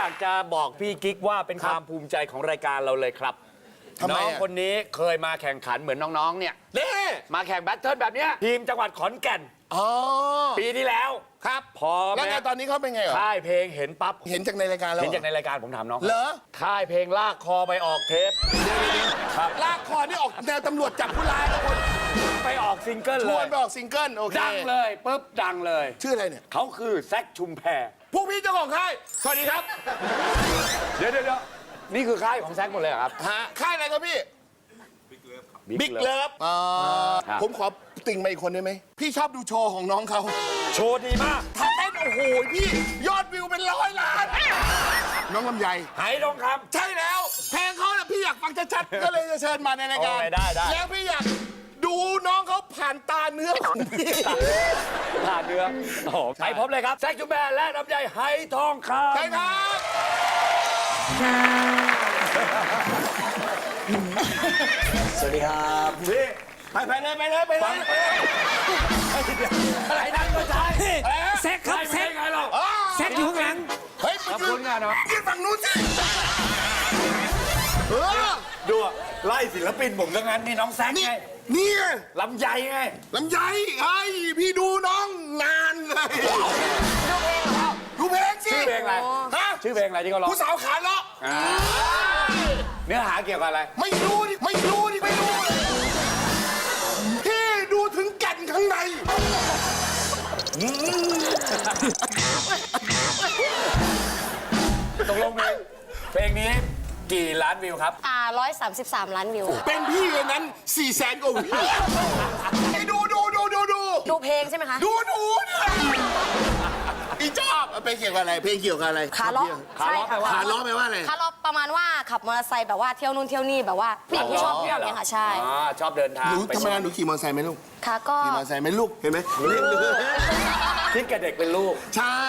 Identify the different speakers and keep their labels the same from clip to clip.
Speaker 1: อยากจะบอกพี่กิ๊กว่าเป็นความภูมิใจของรายการเราเลยครับ
Speaker 2: ทำไม
Speaker 1: น้อง
Speaker 2: อะ
Speaker 1: คนนี้เคยมาแข่งขันเหมือนน้องๆเนี่ย
Speaker 2: นี่
Speaker 1: มาแข่งแบทเทิลแบบเนี้ยทีมจังหวัดขอนแก่น
Speaker 2: อ๋อ
Speaker 1: ปีที่แล้ว
Speaker 2: ครับ
Speaker 1: พอ
Speaker 2: แล้วไงตอนนี้เขาเป็นไงเหรอ
Speaker 1: ค่ายเพลงเห็นปั๊บ
Speaker 2: เห็นจากในรายการแล้ว
Speaker 1: เห็นจากในรายการผมถามน้อง
Speaker 2: เหรอ
Speaker 1: ค่ายเพลงลากคอไปออกเทป ครับ
Speaker 2: ลากคอนี่ออกแนวตำรวจจับผู้ร้ายนะคุณ
Speaker 1: ไปออกซิงเกิล
Speaker 2: ช
Speaker 1: เล
Speaker 2: วน
Speaker 1: ย
Speaker 2: ไปออกซิงเกิลโอเค
Speaker 1: ดังเลยปุ๊บดังเลย
Speaker 2: ชื่ออะไรเนี่ย
Speaker 1: เขาคือแซคชุมแพ
Speaker 2: พวกพี่เจ้าของค่ายสวัสดีครับ
Speaker 1: เดี๋ยวนี่คือค่ายของแซคหมดเลยเหรอครับ
Speaker 2: ฮะค่ายอะไรครับพี่ บิ๊ก
Speaker 1: Love
Speaker 2: เลิฟ
Speaker 1: ครับ
Speaker 2: ผมขอติ่งมาอีกคนได้ไหมพี่ชอบดูโชว์ของน้องเขา
Speaker 1: โชว์ดีมาก
Speaker 2: ถ้าเต้นโอ้โหพี่ยอดวิวเป็น100 ล้าน น้องลำไย
Speaker 1: ไหทองค
Speaker 2: ใช่แล้ว เพลงเขาเนี่ยพี่อยากฟังชัดๆ ก็เลยจะเชิญมาในรายการ
Speaker 1: โอ้ยได้
Speaker 2: แล้วพี่อยากดูน้องเขาผ่านตาเนื้อของพี่
Speaker 1: ำผ่านเนื้อโอ้โหไปพบเลยครับแซคชุมแพและลำไยไหทองคำ
Speaker 2: ใช่ครับ
Speaker 3: สวัสดีครับ
Speaker 1: นี่
Speaker 2: ไปเลยไปเลยไปเลย
Speaker 1: อะไรนั่นก็ใช่
Speaker 4: แซกครับแซก
Speaker 1: ไงเรา
Speaker 4: แซกอยู่ข้างหลัง
Speaker 2: เฮ้ย
Speaker 1: ขอบคุณงานเนาะ
Speaker 2: ยืนฝั่งนู้นสิเออ
Speaker 1: ดูอะไล่ศิลปินผมทั้งนั้นนี่น้องแซค
Speaker 2: นี่
Speaker 1: ไง
Speaker 2: นี่ไง
Speaker 1: ลำไยไง
Speaker 2: ลำไยไอ้พี่ดูน้องนานเลยดูเพลงสิ
Speaker 1: ชื่อเพลงอะไร
Speaker 2: ฮะ
Speaker 1: ชื่อเพลงอะไรที่เขาร้อง
Speaker 2: ผู้สาวขาเลาะ
Speaker 1: เนื้อหาเกี่ยวกับอะไร
Speaker 2: ไม่รู้ดิไม่รู้ดิไม่รู้เลยพี่ดูถึงแก่นข้างใน
Speaker 1: ตกลงเพลงนี้กี่ล้านวิวครับ
Speaker 5: 133 ล้านวิว
Speaker 2: เป็นพี่เลยนั้น400,000 กว่าวิวไอ้ดู
Speaker 5: ดูเพลงใช่ไหมคะ
Speaker 2: ดูเนี่ยอีชอบเพลงเกี่ยวกับอะไรเพลงเกี่ยวกับอะไร
Speaker 5: ขาล้อ
Speaker 1: ขาล้อแปลว่า
Speaker 2: ขาล้อแปลว่าอะไร
Speaker 5: ขาล้อประมาณว่าขับมอเตอร์ไซค์แบบว่าเที่ยวนู่นเที่ยวนี่แบบว่าผู้หญิงที่ชอบเที่ยวเนี่ยค่ะใช่
Speaker 1: อ๋อชอบเดินทาง
Speaker 2: หนู
Speaker 1: ไป
Speaker 2: ทำไมหนูขี่มอเตอร์ไซค์ไหมลูก
Speaker 5: ค่ะก็
Speaker 2: ขี่มอเตอร์ไซค์ไหมลูกเห็นไหม
Speaker 1: คิดกับเด็กเป็นลูก
Speaker 2: ใช่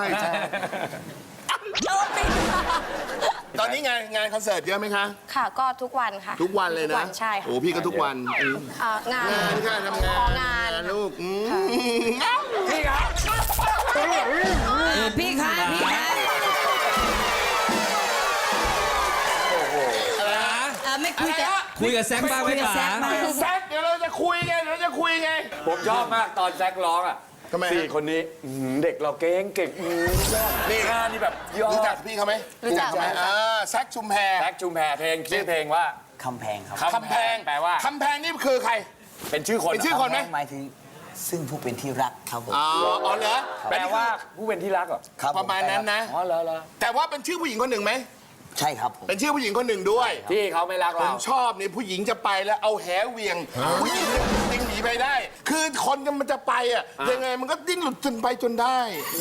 Speaker 2: ตอนนี้งานคอนเสิร์ตเยอะไหมคะ
Speaker 5: ค่ะก็ทุกวันค่ะ
Speaker 2: ทุกวันเลย
Speaker 5: ทุ
Speaker 2: นะ
Speaker 5: กวันใช่ค่ะ
Speaker 2: โอ้พี่ก็ทุกวัน
Speaker 5: งาน
Speaker 2: งานค่ะทำงาน
Speaker 5: งาน
Speaker 2: ลูก
Speaker 1: นี่ครับ
Speaker 4: พี่คะพี่คะไม่คุยกับแซกบ้างไหมป๋า
Speaker 2: แซคเดี๋ยวเราจะคุยไง
Speaker 1: ผมชอบมากตอนแซคร้องอ่ะ
Speaker 2: ทำไมฮะ
Speaker 1: สี่คนนี้เด็กเราเก่งนี่งานนี่แบบยอ
Speaker 2: รู้จั
Speaker 1: ด
Speaker 2: กพี่เขาไหม
Speaker 5: รู้จัก
Speaker 2: ไหมแซคชุมแพ
Speaker 1: แซคชุมแพเพลงชื่อเพลงว่า
Speaker 3: คำแพงครับ
Speaker 2: คำแพง
Speaker 1: แปลว่า
Speaker 2: คำแพงนี่คือใคร
Speaker 1: เป็นชื่อคน
Speaker 2: เป็นชื่อ คนไหม
Speaker 3: คำแพงหมายถึงซึ่งผู้เป็นที่รักครับผม
Speaker 2: อ๋อเหรอ
Speaker 1: แปลว่าผู้เป็นที่รักเหรอ
Speaker 3: ครับผ
Speaker 2: ประมาณนั้นนะ
Speaker 1: อ๋อเหรอ
Speaker 2: แต่ว่าเป็นชื่อผู้หญิงคนหนึ่งไหม
Speaker 3: ใช่ครับผม
Speaker 2: เป็นชื่อผู้หญิงคนหนึ่งด้วย
Speaker 1: ที่เขาไม่รัก
Speaker 2: ผม
Speaker 1: เรา
Speaker 2: ชอบนี่ผู้หญิงจะไปแล้วเอาแหเหวียงผู้หญิงดิ้งหนีไปได้ คือคนมันจะไปอ่ะยังไงมันก็ดิ้นหลุดจนไปจนได้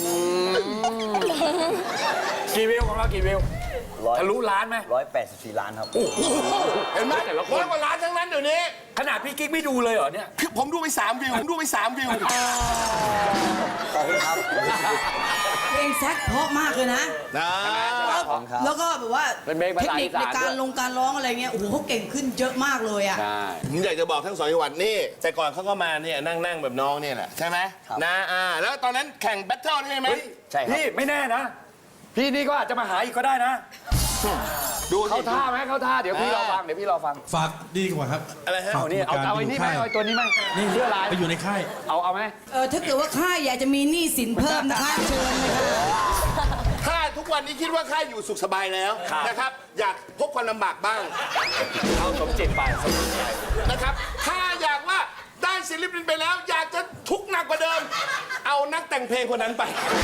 Speaker 1: กี่วิวของเรากี่วิวทะลุล้านไหม
Speaker 3: 184 ล้านครับ
Speaker 2: เห็นไหม
Speaker 1: แต่ละคน
Speaker 2: 100 กว่าล้านทั้งนั้นเดี๋ยวนี้
Speaker 1: ขนาดพี่กิ๊กไม่ดูเลยเหรอเนี่ย
Speaker 2: คือผมดูไป3 วิวผมดูไป3 วิว
Speaker 3: ขอบคุณครับ
Speaker 4: เพลงแซกเพราะมากเลยนะ
Speaker 2: นะ
Speaker 3: ครับ
Speaker 4: แล้วก็แบบว่า
Speaker 1: เป็นเพลงภา
Speaker 4: เทค
Speaker 1: ษา
Speaker 4: นิ
Speaker 1: อี
Speaker 4: ค
Speaker 1: สา
Speaker 4: ใน
Speaker 1: น
Speaker 4: การ
Speaker 1: ด้วย
Speaker 4: การร้องอะไรเงี้ยโอ้โหเขาเก่งขึ้นเยอะมากเลยอ่ะ
Speaker 1: ใช่
Speaker 2: ผมอยากจะบอกทั้ง2 จังหวัดนี่แต่ก่อนเขาก็มาเนี่ยนั่งแบบน้องเนี่ยแหละใช่ไหม
Speaker 3: ครับ
Speaker 2: นะแล้วตอนนั้นแข่งแบทเทิลใช่ไหม
Speaker 3: ใช่ครับ
Speaker 1: พี่ไม่แน่นะ พี่นี่ก็อาจจะมาหาอีกก็ได้นะ
Speaker 2: ดู
Speaker 1: เขาท่าไหมเขาท่าเดี๋ยวพี่รอฟังเดี๋ยวพี่รอฟัง
Speaker 6: ฝากดีกว่าครับ
Speaker 2: อะไรฮะ
Speaker 6: ฝาก
Speaker 1: เอานี่เอาไอ้นี่ไหมเอาไอ้ตัวนี้ไหมนี่เสื้อลาย
Speaker 6: ไปอยู่ในค่าย
Speaker 1: เอาไหม
Speaker 4: ถ้าเกิดว่าค่ายอยากจะมีหนี้สินเพิ่มนะคะเชิญเลยค่ะ
Speaker 2: ถ้าทุกวันนี้คิดว่าข้าอยู่สุขสบายแล้วนะครับ อยากพบความลำบากบ้าง
Speaker 1: เอาสมจิตไปสมจิตไป
Speaker 2: นะครับ ถ้าอยากว่าได้ศิลปินไปแล้ว อยากจะทุกข์หนักกว่าเดิม เอานักแต่งเพลงคนนั้นไป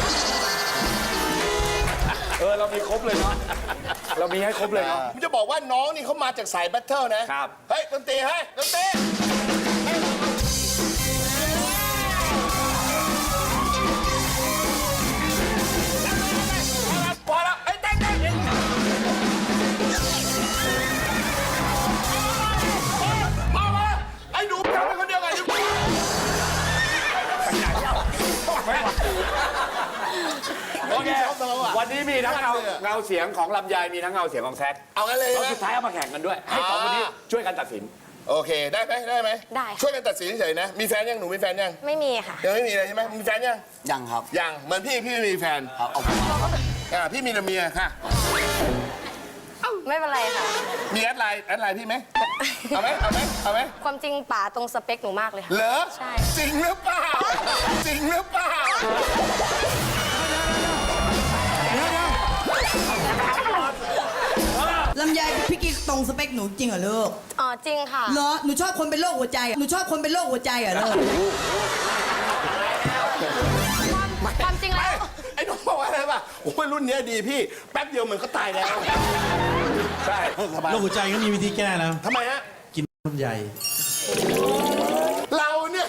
Speaker 1: เรามีครบเลยเนาะเรามีให้ครบเลยเนาะ
Speaker 2: ผมจะบอกว่าน้องนี่เขามาจากสายแบทเทิลนะครับ เฮ้ยดนตรีเฮ้ยดนตรีพอแล้วไอ้ยเต้นมาไอ้หนูทำเป็นคนเดียวกัน
Speaker 1: โอเควันนี้มีทั้งเงาเสียงของลำไยมีทั้งเงาเสียงของแซค
Speaker 2: เอางั้นเลย
Speaker 1: แล้ว
Speaker 2: นะ
Speaker 1: สุดท้ายเอามาแข่งกันด้วย ให้สองคนนี้ช่วยกันตัดสิน
Speaker 2: โอเคได้ไหมได้ไหม
Speaker 5: ได้ค่ะ
Speaker 2: ช่วยกันตัดสินเฉยๆนะมีแฟนยังหนูมีแฟนยัง
Speaker 5: ไม่มีค่ะ
Speaker 2: ยังไม่มีเลยใช่ไหมมีแฟนยัง
Speaker 3: ยังครับ
Speaker 2: ยังเหมือนพี่ไม่มีแฟน
Speaker 3: เอา
Speaker 2: พี่มีแต่เมียค่ะ
Speaker 5: ไม่เป็นไรค่ะ
Speaker 2: มีแอดไลน์พี่ไหมเอาไหมเอาไหมเอาไหม
Speaker 5: ความจริงป๋าตรงสเปคหนูมากเลยค่ะ
Speaker 2: เหรอ
Speaker 5: ใช่
Speaker 2: จริงหรือเปล่าจริงหรือเปล่า
Speaker 4: ลำไยพี่กิ๊กตรงสเปคหนูจริงเหรอลูก
Speaker 5: อ๋อจริงค่ะ
Speaker 4: เหรอหนูชอบคนเป็นโรคหัวใจหนูชอบคนเป็นโรคหัวใจเหรอลูก
Speaker 5: ความจริงแล้ว
Speaker 2: ไอ้น้องบอกว่าอะไรป่ะโอ้ยรุ่นเนี้ยดีพี่แป๊บเดียวเหมือนก็ตายแล้วใช่สบาย
Speaker 6: โรคหัวใจก็มีวิธีแก้แล้ว
Speaker 2: ทำไมฮะ
Speaker 6: กินลำไย
Speaker 2: เราเนี่ย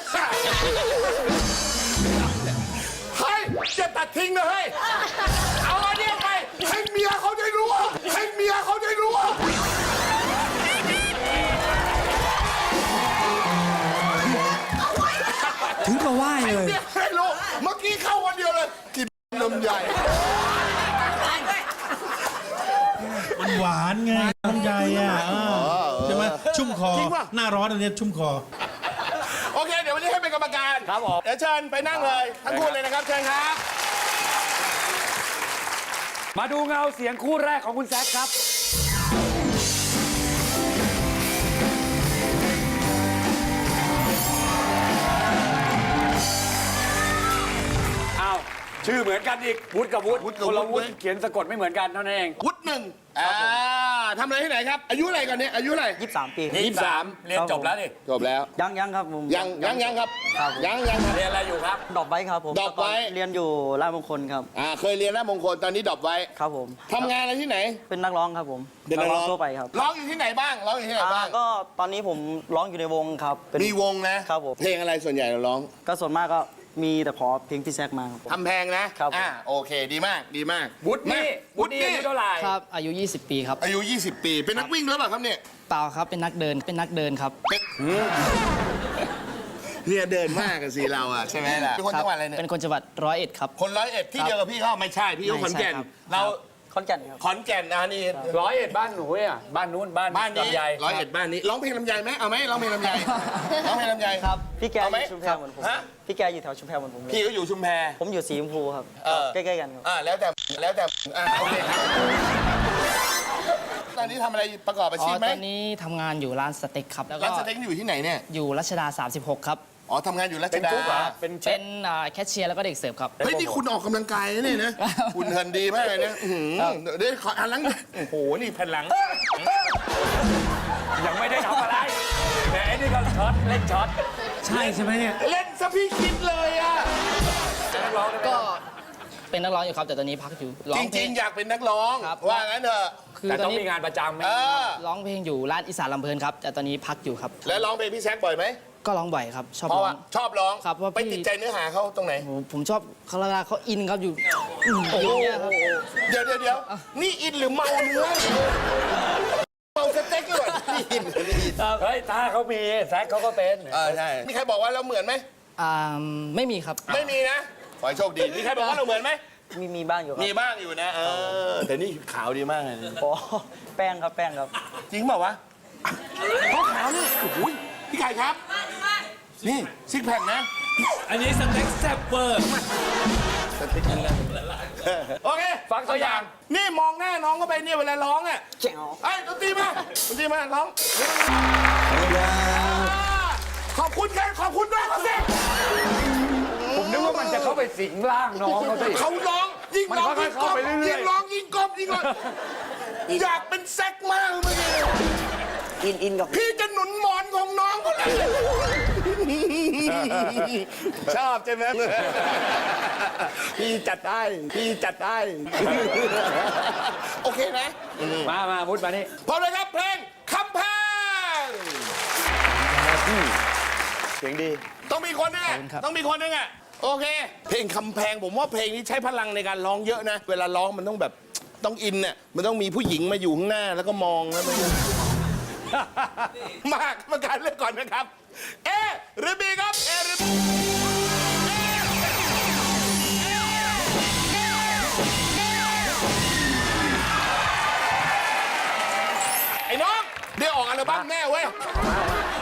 Speaker 2: เฮ้ยจะตัดทิ้งนะเฮ้ยเอาอันเนี้ยไปให้เมียเขาได้รู้ให้เมียเขาได้รู้
Speaker 6: ถึงกับไหว้เลย
Speaker 2: เนี่ยให้รู้เมื่อกี้เข้าวันเดียวเลยกินนมใหญ่
Speaker 6: มันหวานไงลำไยอ่ะใช่ไหมชุ่มคอ หน้าร้อนอันเนี้ยชุ่มคอ
Speaker 2: โอเคเดี๋ยววันนี้ให้เป็นกรรมการ
Speaker 1: ครับผม
Speaker 2: เดี๋ยวเชิญไปนั่งเลยทั้งคู่เลยนะครับเชิญครับ
Speaker 1: มาดูเงาเสียงคู่แรกของคุณแซคครับ อ้าว ชื่อเหมือนกันอีก วุฒิกับวุฒิ
Speaker 2: วุฒิกับ
Speaker 1: คนละ
Speaker 2: วุ
Speaker 1: วุ
Speaker 2: ฒิ
Speaker 1: ฒิเขียนสะกดไม่เหมือนกันเท่านั้นเอง
Speaker 2: วุฒิหนึ่งทำอะไรที่ไหนครับ อายุอะไรก่อนเนี่ยอายุอะไร
Speaker 3: 23 ปี
Speaker 1: 23 เรียนจบแล้วนี่
Speaker 2: จบแล้ว
Speaker 3: ยังครับผม
Speaker 2: ยังครับ
Speaker 3: ครับ
Speaker 2: ยังครับ
Speaker 1: เรียนอะไรอยู่ครับ
Speaker 3: ดรอปไว้ครับผม
Speaker 2: ดรอปไว้
Speaker 3: เรียนอยู่ราชมงคลครับ
Speaker 2: เคยเรียนหน้ามงคลตอนนี้ดรอปไว้
Speaker 3: ครับผม
Speaker 2: ทำงานอะไรที่ไหน
Speaker 3: เป็นนักร้องครับผม
Speaker 2: เป็นนักร้อง
Speaker 3: ทั่วไปครับ
Speaker 2: ร้องอยู่ที่ไหนบ้างร้องอยู่ที่ไหนบ้าง
Speaker 3: ก็ตอนนี้ผมร้องอยู่ในวงครับเป็น
Speaker 2: มีวงนะครับ
Speaker 3: ผม
Speaker 2: เพลงอะไรส่วนใหญ่เราร้อง
Speaker 3: ก็ส่วนมากก็มีแต่ขอเพลงพี่แซกมาครับผม
Speaker 2: ทำแพงนะครับ โอเคดีมากดีมาก
Speaker 1: วุฒินี่วุฒินี่อายุเท่าไหร่
Speaker 7: ครับ อายุ 20 ปีครับ
Speaker 2: อายุ 20 ปี เป็นนักวิ่งหรือเปล่าครับเนี่ย
Speaker 7: เปล่าครับ เป็นนักเดินครับ
Speaker 2: เนี่ยเดินมากกันสิเราอ่ะใช่ไหมล่ะเป็นคนจังหวัดอะไรเนี่ย
Speaker 7: เป็นคนจังหวัด101 ครับ
Speaker 2: คน101ที่เดียวกับพี่เขาไม่ใช่พี่เขาขอนแก่น
Speaker 7: ไม่ใช่ครับ
Speaker 2: เรา
Speaker 3: ขอนแก่นครับ
Speaker 2: ขอนแก่นนี่
Speaker 1: 101 บ้านหนูอ่ะบ้านนู้นบ้าน
Speaker 2: บ้านนี้
Speaker 1: ลำไย
Speaker 2: 101บ้านนี้ร้องเพลงลำไยไหมเอาไหมร้องเพลงลำไยร้องเพลงลำไย
Speaker 3: ครับ พี่แก
Speaker 2: เอา
Speaker 3: อ
Speaker 2: ไหม
Speaker 3: ยู่ชุมแพเหมือนผม
Speaker 2: ฮะ
Speaker 3: พี่แกอยู่แถวชุมแพเหมือนผมเลย
Speaker 2: พี่ก็อยู่ชุมแพ
Speaker 3: ผมอยู่สีชมพูครับ ใกล้ๆกันครับ
Speaker 2: แล้วแต่โอเคครับตอนนี้ทำอะไรประกอบอา
Speaker 7: อ๋อ
Speaker 2: ชีพไหม
Speaker 7: ตอนนี้ทำงานอยู่ร้านสเต็กครับ แล้วก็
Speaker 2: ร้านสเต็กอยู่ที่ไหนเนี่ย
Speaker 7: อยู่รัชดา 36 ครับ
Speaker 2: อ๋อทำงานอยู่รัช
Speaker 1: เป็น
Speaker 2: ดา
Speaker 1: กุ๊กเหรอเป็นเช
Speaker 7: เป็
Speaker 1: ฟ
Speaker 7: นแคชเชียร์แล้วก็เด็กเสิร์ฟครับ
Speaker 2: เฮ้ยนี่คุณออกกำลังกายนะเนี่ยนะคุณเหินดีมากเลยนะเดี๋ยวขออันหลังโอ้โหนี่แผ่นหลัง
Speaker 1: ยังไม่ได้ทำอะไรแต่ไอ้นี่ก็ช็อตเล่นช็อต
Speaker 6: ใช่ใช่ไหมเนี่ย
Speaker 2: เล่นซะพี่คิดเลยอ่ะ
Speaker 7: ก็เป็นนักร้องอยู่ครับ แต่ตอนนี้พักอยู่ร้อ
Speaker 2: จ
Speaker 7: งเพล
Speaker 2: ริ
Speaker 7: ง
Speaker 2: งๆ อยากเป็นนักร้อง
Speaker 7: ครับ
Speaker 2: ว่างั้นเถอะ
Speaker 7: คือ
Speaker 1: แต่
Speaker 7: ตอ
Speaker 1: ต้
Speaker 7: น
Speaker 1: อง
Speaker 7: นี้
Speaker 1: มีงานประจำไหม
Speaker 2: เออ
Speaker 7: ร้องเพลงอยู่ร้านอีสานลำเพลินครับ แต่ตอนนี้พักอยู่ครับ
Speaker 2: แล้วร้องเพลงพี่แซคบ่อยไหม
Speaker 7: ก็ร้องบ่อยครับ ชอบ
Speaker 2: เพราะ
Speaker 7: ร้อ
Speaker 2: ว่าง ชอบร้อง
Speaker 7: ครับว่าพี่
Speaker 2: ไปติดใจเนื้อหาเขาตรงไหน
Speaker 7: โอ้โหผมชอบเขาเวลาเขาอินครับอยู่อย่างเงี้ยครับ
Speaker 2: เดี๋ยวนี่อินหรือเมาเนื้อเมาสเต็กเลยนี่อินนี่อิน
Speaker 1: เฮ้ยถ้าเขามีแซคเขาก็เป็น
Speaker 2: ใช่มีใครบอกว่าเราเหมือนไหม
Speaker 7: ไม่มีครับ
Speaker 2: ไม่มีนะขอให้โชคดีมีใครบอกว่าเราเหมือนไหม
Speaker 3: มีบ้างอยู่ครับ
Speaker 2: มีบ้างอยู่นะแต่นี่ขาวดีมากเลย
Speaker 3: โอ้แป้งครับ
Speaker 2: จริงเปล่าวะเขาขาวนี่โอ้โหพี่ไก่ครับนี่ซิกแพคนะ
Speaker 6: อันนี้สเต็กแซ่บเวอร์
Speaker 2: โอเค
Speaker 1: ฟังตัวอย่าง
Speaker 2: นี่มองหน้าน้องเข้าไปเนี่ยเวลาร้องอ่ะ
Speaker 3: แจ๋ว
Speaker 2: ไอ้ดนตรีมาร้องขอบคุณกันขอบคุณด้วยเขาสิ
Speaker 1: ผมนึกว่ามันจะเข้าไปสิงร่างน้องเขาสิ
Speaker 2: เขาร้องยิ่งร้อง
Speaker 1: มันค่
Speaker 2: ยิ่
Speaker 1: อย
Speaker 2: ง
Speaker 1: ๆ
Speaker 2: กล
Speaker 1: เข้าม ไปเรื่อยๆ
Speaker 2: ยิ่งร้องยิ่งกลมยิ่งกลมอยากเป็นแซกมากเมื่อกี้
Speaker 3: อินกับ
Speaker 2: พี่จะหนุนหมอนของน้องคนนั้นชอบใช่ไหมพี่จัดได้โอเคนะ
Speaker 1: มามุดมานี่
Speaker 2: พร้อมเลยครับเพลงคำแพง
Speaker 3: เสียงดี
Speaker 2: ต้องมีคนนึง
Speaker 7: ขอบคุณครับ
Speaker 2: ต้องมีคนนึงอ่ะโอเค เพลงคำแพงผมว่าเพลงนี้ใช้พลังในการร้องเยอะนะ เวลาร้องมันต้องแบบต้องอินน่ะมันต้องมีผู้หญิงมาอยู่ข้างหน้าแล้วก็มองแล้วมันมากมาการเลือกก่อนนะครับเอหรือบีครับเอหรือบีไอ้น้องเดี๋ยวออกอัลบั้มแน่เว้ย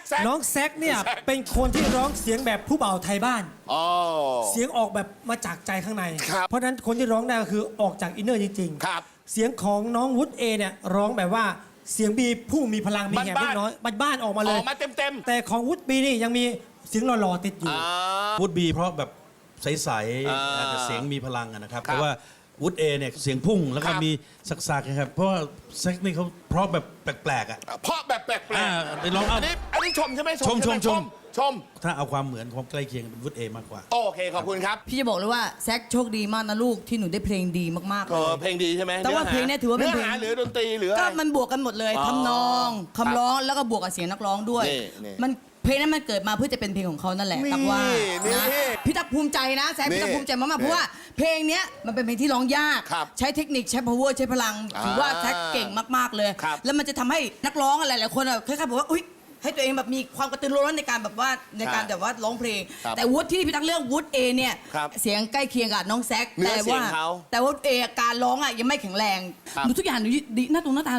Speaker 8: น้องแซกเนี่ยเป็นคนที่ร้องเสียงแบบผู้บ่าวไทยบ้าน
Speaker 2: อ๋อ
Speaker 8: เสียงออกแบบมาจากใจข้างใน
Speaker 2: ครับ
Speaker 8: เพราะฉะนั้นคนที่ร้องได้ก็คือออกจากอินเนอร์จริง
Speaker 2: ครับ
Speaker 8: เสียงของน้องวุฒิเอเนี่ยร้องแบบว่าเสียงบีผู้มีพลังมีแหบ
Speaker 2: บ้านๆ
Speaker 8: เล็กน้อยบ้านๆออกมา
Speaker 2: อ
Speaker 8: เล
Speaker 2: อย กมาเต็ม
Speaker 8: แต่ของวุฒิบีนี่ยังมีเสียงหล่อๆติดอยู่
Speaker 6: วูดบีเพราะแบบใส
Speaker 2: อ่า
Speaker 6: ๆแต่เสียงมีพลังอะนะครับ
Speaker 2: ครับ
Speaker 6: แต่ว่าวูดเอเนี่ยเสียงพุ่งแล้วก็
Speaker 2: ครับ
Speaker 6: มีสักๆนะครับเพราะว่าแซกนี่เขาเพราะแบบแปลกๆอ่ะ
Speaker 2: เพราะแบบแปลก
Speaker 6: อ่าไปลอง
Speaker 2: ๆ
Speaker 6: เอา
Speaker 2: อันนี้ชมใช่ไหม
Speaker 6: ชม
Speaker 2: ใไห ชม
Speaker 6: ถ้าเอาความเหมือนความใกล้เคียงเป็นวูดเอมากกว่า
Speaker 2: โอเค ขอบคุณครับ
Speaker 4: พี่จะบอกเลยว่าแซคโชคดีมากนะลูกที่หนูได้เพลงดีมากๆ
Speaker 2: เอ
Speaker 4: เล
Speaker 2: อย เพลงดีใช่ไหม
Speaker 4: แต่ว่าเพลงเนี่ยถือว่าเป็นเพลง
Speaker 2: เนื้อหาหรือดนตรีหรืออะไร
Speaker 4: ก็มันบวกกันหมดเลย
Speaker 2: อ๋อ
Speaker 4: ทำนองคำร้องแล้วก็บวกกับเสียงนักร้องด้วย
Speaker 2: นี่
Speaker 4: มันเพลงนั้นมันเกิดมาเพื่อจะเป็นเพลงของเขานั่นแหละ
Speaker 2: นี่
Speaker 4: ตักว่า
Speaker 2: นี่
Speaker 4: นะพี่ตักภูมิใจนะแซคพี่ตักภูมิใจมากๆเพราะว่าเพลงเนี้ยมันเป็นเพลงที่ร้องยาก
Speaker 2: ครับ
Speaker 4: ใช้เทคนิคใช้ power ใช้พลังถือว่าแซคเก่งมากๆเลย
Speaker 2: ครับ
Speaker 4: แล้วมันจะทำให้นักร้องอะไรหลายคนอะคล้ายๆบอกว่าอุ๊ยให้ตัวเองแบบมีความกระตือรือร้นในการแบบว่าในการแบบว่าร้องเพลง
Speaker 2: ครับ
Speaker 4: แต่วุฒิที่พี่ตักเลือกวุฒิเอเนี่ย
Speaker 2: ครับ
Speaker 4: เสียงใกล้เคียงกับน้องแซค
Speaker 2: เนื้อเสียงเขา
Speaker 4: แต่ว่าเอการร้องอ่ะยังไม่แข็งแรง
Speaker 2: ครับ
Speaker 4: หนูทุกอย่างหนูดีหน้าตรงหน้าตา